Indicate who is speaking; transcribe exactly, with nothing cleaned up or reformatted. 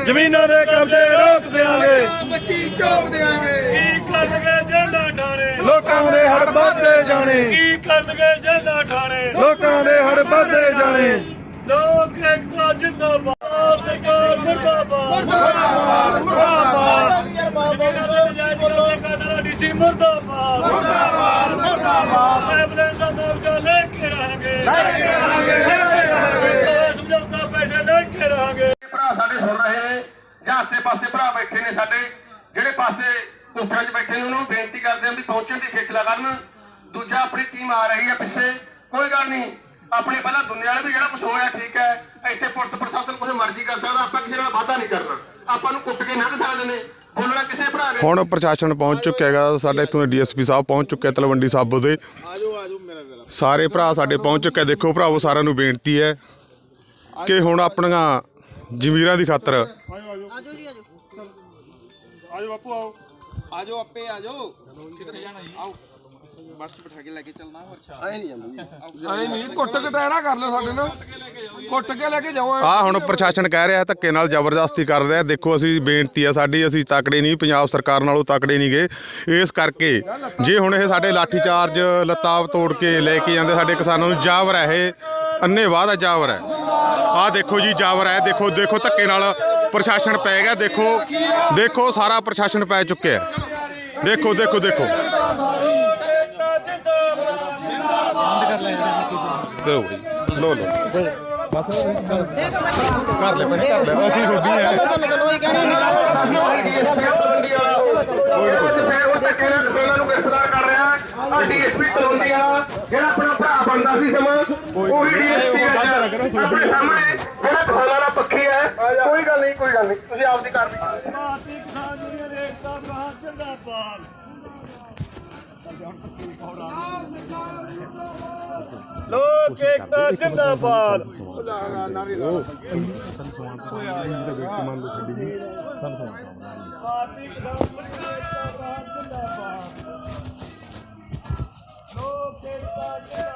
Speaker 1: ਜ਼ਮੀਨਾਂ ਦੇ ਕਬਜ਼ੇ ਰੋਕ ਦਿਆਂਗੇ
Speaker 2: ਬੱਚੀ ਚੋਕ ਦੇਾਂਗੇ
Speaker 1: ਕੀ ਕਰਨਗੇ ਜੇਲਾਂ ਠਾਣੇ ਲੋਕਾਂ ਦੇ ਹੜ ਵੱਧਦੇ ਜਾਣੇ ਕੀ ਕਰਨਗੇ ਜੇਲਾਂ ਠਾਣੇ ਲੋਕਾਂ ਦੇ ਹੜ ਵੱਧਦੇ ਜਾਣੇ ਲੋਕ ਏਕਤਾ ਜਿੰਦਾਬਾਦ ਸਰਕਾਰ ਮੁਰਦਾਬਾਦ ਮੁਰਦਾਬਾਦ ਮੁਰਦਾਬਾਦ ਜ਼ਮੀਨਾਂ ਦੇ ਨਜਾਇਜ਼ ਕਬਜ਼ੇ ਕਰਨ ਵਾਲਾ ਡੀਸੀ ਮੁਰਦਾਬਾਦ ਮੁਰਦਾਬਾਦ ਮੁਰਦਾਬਾਦ ਐਂਬੂਲੈਂਸ ਦਾ ਮੋਰਚਾ ਲੈ ਕੇ ਰਹਾਂਗੇ ਲੈ ਕੇ ਰਹਾਂਗੇ ਲੈ ਕੇ ਰਹਾਂਗੇ ਸਮਝੌਤਾ ਪੈਸੇ ਲੈ ਕੇ ਰਹਾਂਗੇ
Speaker 3: ਭਰਾ ਸਾਡੇ ਸੁਣ ਰਹੇ ਨੇ ਜਾਂ ਆਸੇ ਪਾਸੇ ਭਰਾ ਬੈਠੇ ਨੇ ਸਾਡੇ ਜਿਹੜੇ ਪਾਸੇ ਕੋਠਿਆਂ 'ਚ ਬੈਠੇ ਨੇ ਉਹਨਾਂ ਨੂੰ ਬੇਨਤੀ ਕਰਦੇ ਹਾਂ ਵੀ ਪਹੁੰਚਣ ਦੀ ਖੇਚਲਾ ਕਰਨ ਦੂਜਾ ਆਪਣੀ ਟੀਮ ਆ ਰਹੀ ਹੈ ਪਿੱਛੇ ਕੋਈ ਗੱਲ ਨਹੀਂ ਆਪਣੀ ਪਹਿਲਾਂ ਦੁਨੀਆ ਵਾਲੇ ਵੀ ਜਿਹੜਾ ਕੁਝ ਹੋਇਆ ਠੀਕ ਹੈ ਇੱਥੇ ਪੁਲਿਸ ਪ੍ਰਸ਼ਾਸਨ ਕੁਝ ਮਰਜ਼ੀ ਕਰ ਸਕਦਾ ਆਪਾਂ ਕਿਸੇ ਨਾਲ ਵਾਅਦਾ ਨਹੀਂ ਕਰਨਾ ਆਪਾਂ ਨੂੰ ਕੁੱਟ ਕੇ ਲੰਘ ਸਕਦੇ ਨੇ ਬੋਲਣਾ ਕਿਸੇ ਭਰਾ ਨੇ
Speaker 4: ਹੁਣ ਪ੍ਰਸ਼ਾਸਨ ਪਹੁੰਚ ਚੁੱਕਿਆ ਹੈਗਾ ਸਾਡੇ ਇੱਥੋਂ ਦੇ ਡੀਐਸਪੀ ਸਾਹਿਬ ਪਹੁੰਚ ਚੁੱਕੇ ਤਲਵੰਡੀ ਸਾਬੋ ਦੇ ਸਾਰੇ ਭਰਾ ਸਾਡੇ ਪਹੁੰਚ ਚੁੱਕੇ ਦੇਖੋ ਭਰਾਵੋ ਸਾਰਿਆਂ ਨੂੰ ਬੇਨਤੀ ਹੈ ਕਿ ਹੁਣ ਆਪਣੀਆਂ ਜ਼ਮੀਰਾਂ ਦੀ ਖਾਤਰ
Speaker 2: ਆਜੋ ਜੀ ਆਜੋ ਆਜੋ ਬਾਪੂ ਆਓ ਆਜੋ ਆਪੇ ਆਜੋ ਕਿੱਧਰ ਜਾਣਾ ਜੀ ਆਓ ਬੱਸ ਬਿਠਾ ਕੇ ਲੈ ਕੇ ਚੱਲਣਾ ਹੋਰ ਐ ਨਹੀਂ ਜਾਂਦਾ ਜੀ
Speaker 5: ਐ ਨਹੀਂ ਕੁੱਟ ਕਟਾਇਰਾ ਕਰ ਲਓ ਸਾਡੇ ਨਾਲ ਕੁੱਟ ਕੇ ਲੈ ਕੇ ਜਾਓ
Speaker 4: ਆ ਹੁਣ ਪ੍ਰਸ਼ਾਸਨ ਕਹਿ ਰਿਹਾ ਧੱਕੇ ਨਾਲ ਜ਼ਬਰਦਸਤੀ ਕਰ ਰਿਹਾ ਦੇਖੋ ਅਸੀਂ ਬੇਨਤੀ ਆ ਸਾਡੀ ਅਸੀਂ ਤਕੜੇ ਨਹੀਂ ਪੰਜਾਬ ਸਰਕਾਰ ਨਾਲੋਂ ਤਕੜੇ ਨਹੀਂ ਗਏ ਇਸ ਕਰਕੇ ਜੇ ਹੁਣ ਇਹ ਸਾਡੇ ਲਾਠੀ ਚਾਰਜ ਲੱਤਾਂ ਤੋੜ ਕੇ ਲੈ ਕੇ ਜਾਂਦੇ ਸਾਡੇ ਕਿਸਾਨਾਂ ਨੂੰ ਜਾਵਰ ਹੈ ਇਹ ਅੰਨ੍ਹੇਵਾਹ ਦਾ ਜਾਵਰ ਹੈ ਆਹ ਦੇਖੋ ਜੀ ਜਾਵਰ ਹੈ ਦੇਖੋ ਦੇਖੋ ਧੱਕੇ ਨਾਲ ਪ੍ਰਸ਼ਾਸਨ ਪੈ ਗਿਆ ਦੇਖੋ ਦੇਖੋ ਸਾਰਾ ਪ੍ਰਸ਼ਾਸਨ ਪੈ ਚੁੱਕਿਆ ਦੇਖੋ ਦੇਖੋ ਦੇਖੋ ਲੋ ਲੋ ਬਸ ਕਰ ਲੈ ਭਾਈ ਕਰ ਲੈ ਅਸੀਂ ਰੋਡੀ ਹੈ
Speaker 3: ਨੂੰ ਗ੍ਰਿਫਤਾਰ ਕਰ ਰਿਹਾ ਡੀਐਸਪੀ ਤਲਵੰਡੀ ਵਾਲਾ ਜਿਹੜਾ ਆਪਣਾ ਭਰਾ ਬਣਦਾ ਸੀ ਸਮਾਂ ਉਹੀ ਡੀਐਸਪੀ ਆਪਣੇ ਸਾਹਮਣੇ ਜਿਹੜਾ ਕਿਸਾਨਾਂ ਦਾ ਪੱਖੀ ਹੈ ਕੋਈ ਗੱਲ ਨਹੀਂ ਕੋਈ ਗੱਲ ਨਹੀਂ ਤੁਸੀਂ ਆਪਦੀ ਕਾਰਵਾਈ
Speaker 1: ਭਾਰਤੀ ਕਿਸਾਨ ਯੂਨੀਅਨ ਏਕਤਾ ਮਹਾਂ ਜਿੰਦਾਬਾਦ ਲੋਕ ਏਕਤਾ ਜਿੰਦਾਬਾਦ ਭਾਰਤੀ ਕਿਸਾਨ ਯੂਨੀਅਨ ਏਕਤਾ ਮਹਾਂ ਜਿੰਦਾਬਾਦ ਲੋਕ ਏਕਤਾ